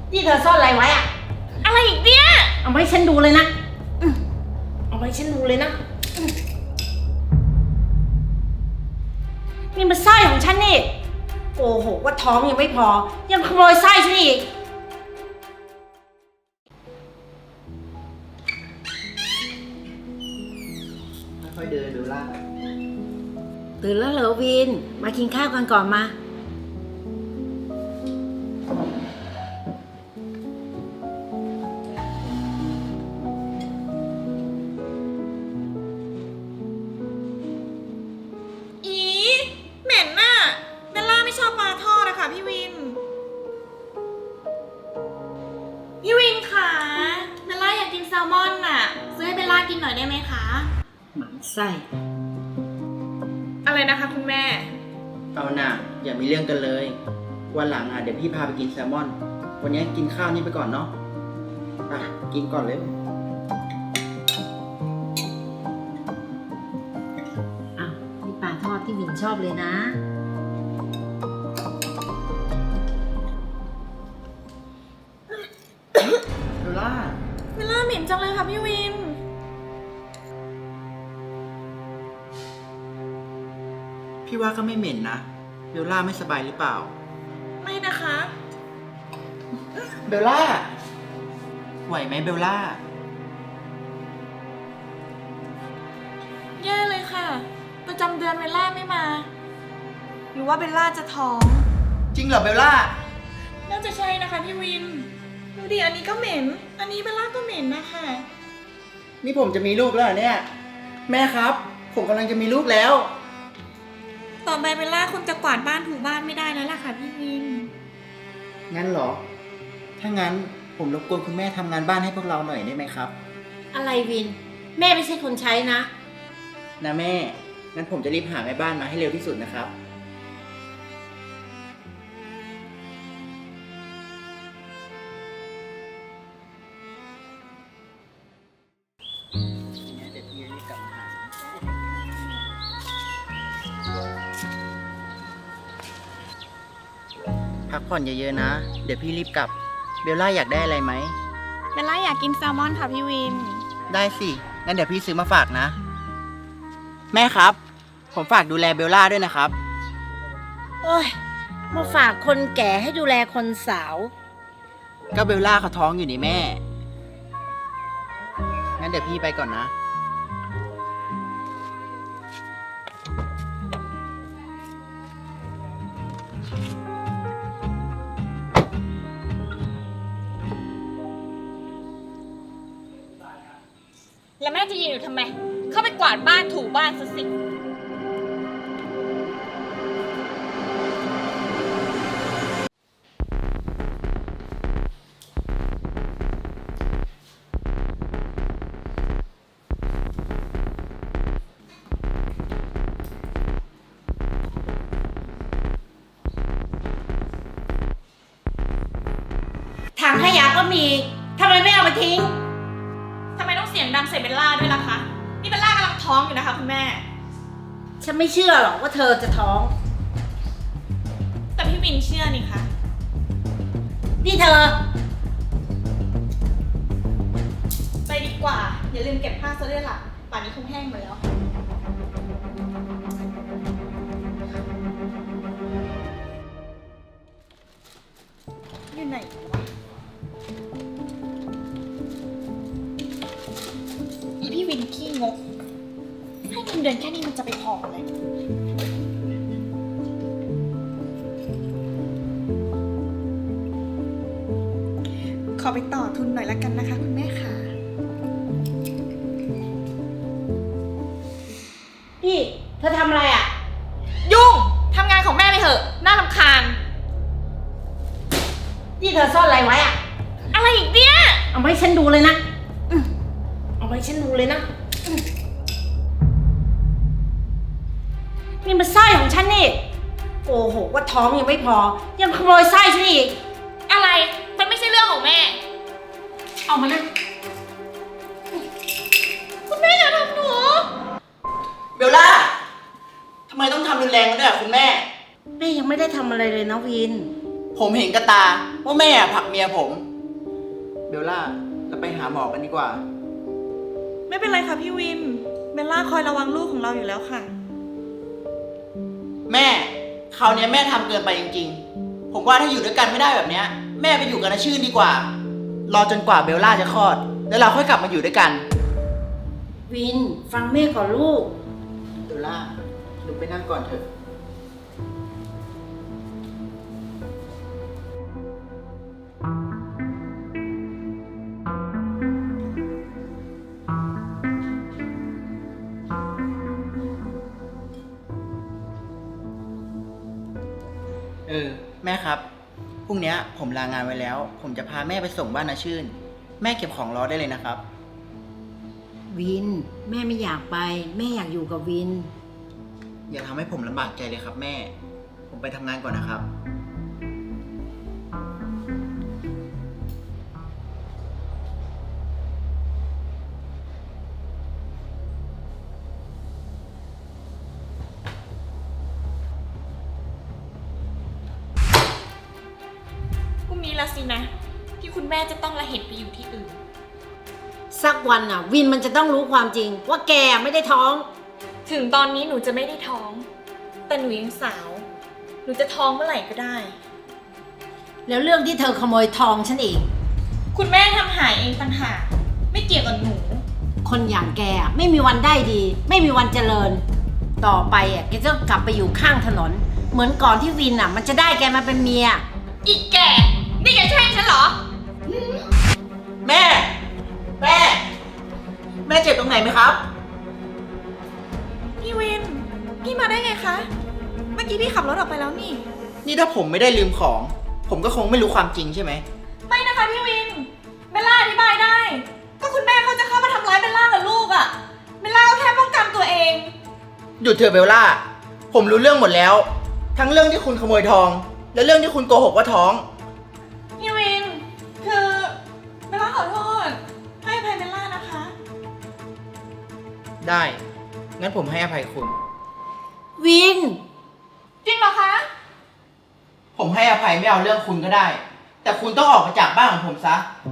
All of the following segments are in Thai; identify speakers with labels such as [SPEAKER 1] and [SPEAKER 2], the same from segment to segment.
[SPEAKER 1] ที่เธอซ่อนอะไรไว้อะ
[SPEAKER 2] อะไรอีกเนี่ย
[SPEAKER 1] เอามาให้ฉันดูเลยนะเอามาให้ฉันดูเลยนะนี่มันสร้อยของฉันนี่โอ้โหว่าท้องยังไม่พอยังขโมยสร้อยฉันอีก
[SPEAKER 3] ค่อยๆเดินดูล่ะ
[SPEAKER 1] ตื่นแล้วเหรอวินมากินข้าวกันก่อนมา
[SPEAKER 2] อีเหม็นน่ะเบลล่าไม่ชอบปลาทอดอะค่ะพี่วินค่ะเบลล่าอยากกินแซลมอนน่ะซื้อให้เบลล่ากินหน่อยได้ไหมคะ
[SPEAKER 1] หมันไส้
[SPEAKER 2] อะไรนะคะคุณแม่
[SPEAKER 3] เอาหน่ะอย่ามีเรื่องกันเลย วันหลังเดี๋ยวพี่พาไปกินแซลมอน วันนี้กินข้าวนี่ไปก่อนเนาะกินก่อนเลย
[SPEAKER 1] อ้าวนี่ปลาทอดที่วินชอบเลยนะ
[SPEAKER 3] เบลล่า
[SPEAKER 2] เบลล่าเหม็นจังเลยค่ะพี่วิน
[SPEAKER 3] พี่ว่าก็ไม่เหม็นนะเบลล่าไม่สบายหรือเปล่า
[SPEAKER 2] ไม่นะคะ
[SPEAKER 3] เบลล่าไหวไหมเบลล่า
[SPEAKER 2] แย่เลยค่ะประจำเดือนเบลล่าไม่มาหรือว่าเบลล่าจะท้อง
[SPEAKER 3] จริงเหรอเบลล่า
[SPEAKER 2] น่าจะใช่นะคะพี่วินดูดิอันนี้ก็เหม็นอันนี้เบลล่าก็เหม็นนะคะ
[SPEAKER 3] นี่ผมจะมีลูกแล้วเหรอเนี่ยแม่ครับผมกำลังจะมีลูกแล้ว
[SPEAKER 2] ต่อไปเบลล่าคงจะกวาดบ้านถูบ้านไม่ได้แล้วล่ะค่ะพี่วิน
[SPEAKER 3] งั้นเหรอถ้างั้นผมรบกวนคุณแม่ทำงานบ้านให้พวกเราหน่อยได้ไหมครับ
[SPEAKER 1] อะไรวินแม่ไม่ใช่คนใช้นะ
[SPEAKER 3] แม่งั้นผมจะรีบหาแม่บ้านมาให้เร็วที่สุดนะครับเดี๋ยวพี่รีบกลับมาหาพักผ่อนเยอะๆนะ เดี๋ยวพี่รีบกลับเบลล่าอยากได้อะไรไหม
[SPEAKER 2] เบลล่าอยากกินแซลมอนค่ะพี่วิน
[SPEAKER 3] ได้สิงั้นเดี๋ยวพี่ซื้อมาฝากนะแม่ครับผมฝากดูแลเบลล่าด้วยนะครับ
[SPEAKER 1] โอ้ยมาฝากคนแก่ให้ดูแลคนสาว
[SPEAKER 3] ก็เบลล่าเขาท้องอยู่นี่แม่งั้นเดี๋ยวพี่ไปก่อนนะ
[SPEAKER 2] แล้วแม่จะยืนอยู่ทำไมเข้าไปกวาดบ้านถูบ้านซะสิ
[SPEAKER 1] ถังขยะก็มีทำไมไม่เอามาทิ้ง
[SPEAKER 2] ทำไมต้องเสียงดังใส่เบลล่าด้วยล่ะคะนี่เบลล่ากำลังท้องอยู่นะคะคุณแม่
[SPEAKER 1] ฉันไม่เชื่อหรอกว่าเธอจะท้อง
[SPEAKER 2] แต่พี่วินเชื่อนี่คะ
[SPEAKER 1] นี่เธอ
[SPEAKER 2] ไปดีกว่าอย่าลืมเก็บผ้าซะด้วยล่ะป่านนี้คงแห้งหมดแล้วอยู่ไหนวะอีพี่วินขี้งกให้เงินเดือนแค่นี้มันจะไปพอเลยขอไปต่อทุนหน่อยละกันนะคะคุณแม่ค่ะ
[SPEAKER 1] พี่เธอทำอะไรอ่ะ
[SPEAKER 2] ยุ่งทำงานของแม่ไปเถอะน่ารำคาญ
[SPEAKER 1] ที่เธอซ่อนอะไรไว้อ่ะ
[SPEAKER 2] อะไรอีกเนี่ย
[SPEAKER 1] เอามาให้ฉันดูเลยนะเอามาให้ฉันดูเลยนะนี่มันสร้อยของฉันนี่โอ้โหว่าท้องยังไม่พอยังขโมยสร้อยฉันอีก
[SPEAKER 2] อะไรมันไม่ใช่เรื่องของแม่
[SPEAKER 1] เอามานะ
[SPEAKER 2] คุณแม่อย่าทำหนู
[SPEAKER 3] เบลล่าทำไมต้องทำรุนแรงกันด้วยคุณแม่
[SPEAKER 1] แม่ยังไม่ได้ทำอะไรเลยนะวิน
[SPEAKER 3] ผมเห็นกับตาว่าแม่ผลักเมียผม เบลล่าเราไปหาหมอกันดีกว่า
[SPEAKER 2] ไม่เป็นไรค่ะพี่วิน เบลล่าคอยระวังลูกของเราอยู่แล้วค่ะ
[SPEAKER 3] แม่คราวนี้แม่ทำเกินไปจริงๆ ผมว่าถ้าอยู่ด้วยกันไม่ได้แบบเนี้ยแม่ไปอยู่กับน้าชื่นดีกว่า รอจนกว่าเบลล่าจะคลอด แล้วเราค่อยกลับมาอยู่ด้วยกัน
[SPEAKER 1] วิน ฟังแม่ก่อนลูก
[SPEAKER 3] เบลล่าลุกไปนั่งก่อนเถอะ แม่ครับพรุ่งนี้ผมลางานไว้แล้ว ผมจะพาแม่ไปส่งบ้านนาชื่น แม่เก็บของรอได้เลยนะครับ
[SPEAKER 1] วิน แม่ไม่อยากไป แม่อยากอยู่กับวิน
[SPEAKER 3] อย่าทำให้ผมลำบากใจเลยครับแม่ ผมไปทำงานก่อนนะครับ
[SPEAKER 2] พรุ่งนี้ละสินะ ที่คุณแม่จะต้องละเหตุไปอยู่ที่อื่น
[SPEAKER 1] สักวันอ่ะ วินมันจะต้องรู้ความจริง ว่าแกไม่ได้ท้อง
[SPEAKER 2] ถึงตอนนี้หนูจะไม่ได้ท้อง แต่หนูยังสาว หนูจะท้องเมื่อไหร่ก็ได้
[SPEAKER 1] แล้วเรื่องที่เธอขโมยทองฉันเอง
[SPEAKER 2] คุณแม่ทำหายเองต่างหากไม่เกี่ยวกับหนู
[SPEAKER 1] คนอย่างแกอะไม่มีวันได้ดี ไม่มีวันเจริญ ต่อไปอ่ะแกจะกลับไปอยู่ข้างถนน เหมือนก่อนที่วินอ่ะ มันจะได้แกมาเป็นเมีย
[SPEAKER 2] อีกแก่ นี่แกแช่งฉันเหรอ
[SPEAKER 3] แม่ แม่ แม่เจ็บตรงไหนไหมครับ
[SPEAKER 2] พี่วิน พี่มาได้ไงคะ เมื่อกี้พี่ขับรถออกไปแล้วนี่
[SPEAKER 3] นี่ถ้าผมไม่ได้ลืมของ ผมก็คงไม่รู้ความจริงใช่ไหม
[SPEAKER 2] ไม่นะคะพี่วิน เบลล่าอธิบายได้ ก็คุณแม่เขาจะเข้ามาทำร้ายเบลล่ากับลูกอะ่ะ เบลล่าก็แค่ป้องกันตัวเอง
[SPEAKER 3] หยุดเถอะเบลล่า ผมรู้เรื่องหมดแล้ว ทั้งเรื่องที่คุณขโมยทอง และเรื่องที่คุณโกหกว่าท้อง
[SPEAKER 2] พี่วิน คือเบลล่าขอโทษ ให้อภัยเบลล่านะคะ
[SPEAKER 3] ได้ งั้นผมให้อภัยคุณ
[SPEAKER 1] วิน
[SPEAKER 2] จริงเหรอคะ
[SPEAKER 3] ผมให้อภัยไม่เอาเรื่องคุณก็ได้ แต่คุณต้องออกไปจากบ้านของผมซะ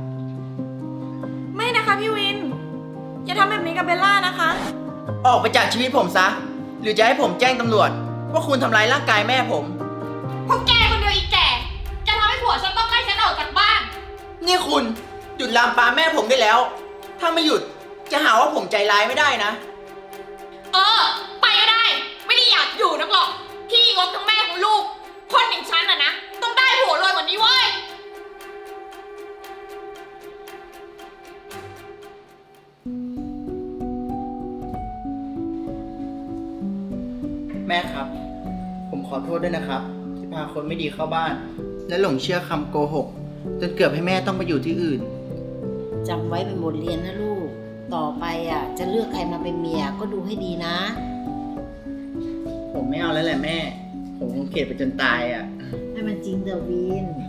[SPEAKER 2] ไม่นะคะพี่วิน อย่าทำแบบนี้กับเบลล่านะคะ
[SPEAKER 3] ออกไปจากชีวิตผมซะ หรือจะให้ผมแจ้งตำรวจว่าคุณทำร้ายร่างกายแม่ผม
[SPEAKER 2] พวกแกคนเดียวอีกแก่ จะทำให้ผัวฉันต้องไล่ฉันออกจากบ้าน
[SPEAKER 3] นี่คุณหยุดลามปามแม่ผมได้แล้ว ถ้าไม่หยุดจะหาว่าผมใจร้ายไม่ได้นะ
[SPEAKER 2] ไปก็ได้ ไม่ได้อยากอยู่นักหรอก พี่งกทั้งแม่ทั้งลูก คนอย่างฉันอะนะ ต้องได้ผัวรวยกว่านี้เว้ย
[SPEAKER 3] แม่ครับ ผมขอโทษด้วยนะครับ ที่พาคนไม่ดีเข้าบ้าน และหลงเชื่อคำโกหกจนเกือบให้แม่ต้องไปอยู่ที่อื่น
[SPEAKER 1] จำไว้เป็นบทเรียนนะลูก ต่อไปอ่ะ จะเลือกใครมาเป็นเมียก็ดูให้ดีนะ
[SPEAKER 3] ผมไม่เอาแล้วแหละแม่ ผมคงเกลียดไปจนตายอ่ะ
[SPEAKER 1] ให้มันจริงเดอะวิน